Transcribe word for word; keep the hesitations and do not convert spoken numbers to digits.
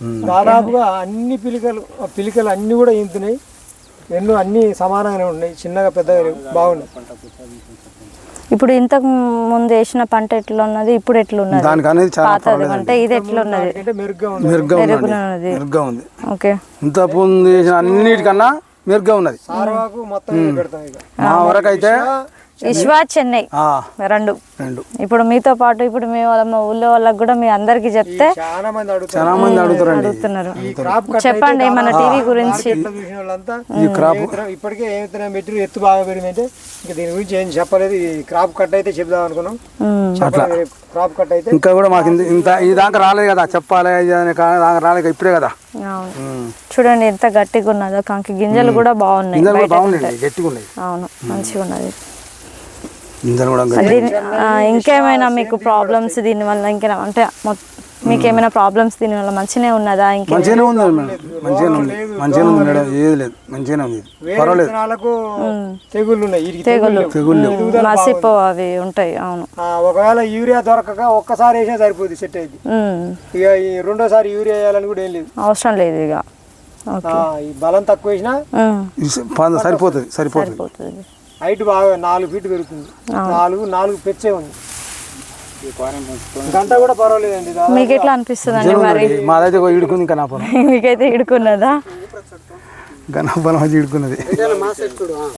దాదాపుగా అన్ని పిలికలు పిలికలు అన్నీ కూడా ఈంతున్నాయి. ఎన్నో అన్నీ సమానంగానే ఉన్నాయి, చిన్నగా పెద్దగా బాగున్నాయి. ఇప్పుడు ఇంతకు ముందు వేసిన పంట ఎట్లా ఉన్నది, ఇప్పుడు ఎట్లున్నది? పాతది అంటే ఇది ఎట్లున్నది? మెరుగ్గా ఉంది. ఓకే, ఇంత ముందు వేసిన అన్నిటికన్నా మెరుగ్గా ఉన్నది. మా వరకు అయితే విశ్వా చెన్నై రెండు రెండు ఇప్పుడు మీతో పాటు ఇప్పుడు మీ వాళ్ళ మా ఊళ్ళో వాళ్ళకి కూడా మీ అందరికి చెప్తే చాలా మంది అడుగుతున్నారు. చెప్పండి మన టీవీ గురించి. ఈ క్రాప్ ఇప్పటికే ఏమైతే మెటీరియల్ ఎత్తు బాగా పెరిగిందంటే ఇంకా దీని గురించి ఏం చెప్పలేదు. ఈ క్రాప్ కట్ అయితే చెప్దాం అనుకున్నాం. క్రాప్ కట్ అయితే ఇంకా కూడా మాకు ఇంత ఈ దాకా రాలేదు కదా, చెప్పాలి రాలేదు ఇప్పుడే కదా. చూడండి ఎంత గట్టిగా ఉన్నదో, కంకి గింజలు కూడా బాగున్నాయి, గట్టిగా ఉన్నాయి. అవును, మంచిగా ఉన్నది. దీని ఇంకేమైనా మీకు ప్రాబ్లమ్స్ దీనివల్ల ఇంకేనా అంటే మీకు ఏమైనా ప్రాబ్లమ్స్ దీనివల్ల మంచిగానే ఉన్నదా? ఇంకా మంచిగానే ఉంది మంచిగానే ఉంది మంచిగానే ఉంది మేడం, ఏది లేదు మంచిగానే ఉంది, పర్వాలేదు. తెగుళ్ళు ఉన్నాయి, తెగుళ్ళు తెగుళ్ళు మసిపో అవి ఉంటాయి. అవును, ఒకవేళ యూరియా దొరకక ఒక్కసారి వేసినా సరిపోతుంది, సెట్ అయింది. ఇక ఈ రెండోసారి యూరియా వేయాలని కూడా ఏం లేదు, అవసరం లేదు. ఇక ఈ బలం తక్కువ వేసినా సరిపోతుంది సరిపోతుంది హైట్ బాగా నాలుగు ఫీట్ పెరుగుతుంది. నాలుగు నాలుగు పెచ్చే ఉంది, గంట కూడా పర్వాలేదండి. మీకు ఎట్లా అనిపిస్తుంది అండి మరి? మాదైతే ఇడుకుంది కనాపనం, మీకైతే ఇడుకున్నదా? కనాపనం ఇడుకున్నది.